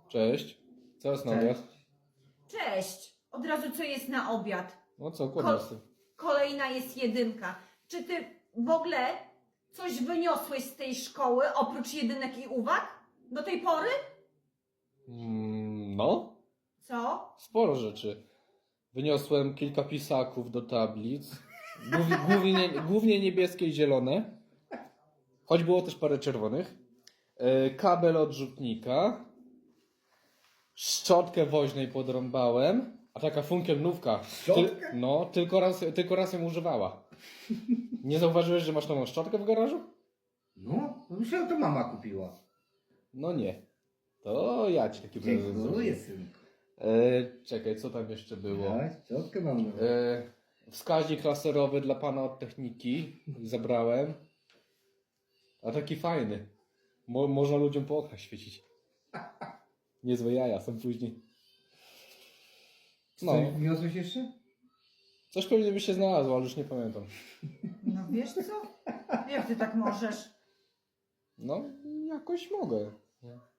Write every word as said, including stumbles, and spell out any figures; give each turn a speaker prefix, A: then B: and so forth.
A: Cześć. Co jest na obiad?
B: Cześć! Od razu co jest na obiad?
A: No co,
B: Ko-
A: kładź z tym.
B: Kolejna jest jedynka. Czy ty w ogóle coś wyniosłeś z tej szkoły oprócz jedynek i uwag? Do tej pory?
A: Mm, no,
B: Co?
A: sporo rzeczy. Wyniosłem kilka pisaków do tablic. Głównie, głównie, głównie niebieskie i zielone. Choć było też parę czerwonych. E, kabel odrzutnika. Szczotkę woźnej podrąbałem. A taka funkielnówka.
C: Szczotkę?
A: No, tylko raz, tylko raz ją używała. Nie zauważyłeś, że masz nową szczotkę w garażu?
C: No, myślałem, to mama kupiła.
A: No nie. To ja ci taki prezent
C: Dziękuję,
A: zrobię.
C: synku.
A: E, czekaj, co tam jeszcze było?
C: Ja, szczotkę mam nową.
A: E, wskaźnik laserowy dla pana od techniki zabrałem. A taki fajny. Mo, można ludziom po oknach świecić. Niezłe jaja są później.
C: No.
A: No,
C: Coś wniosłeś jeszcze?
A: coś pewnie by się znalazło, ale już nie pamiętam.
B: No wiesz co? Jak ty tak możesz?
A: No, jakoś mogę.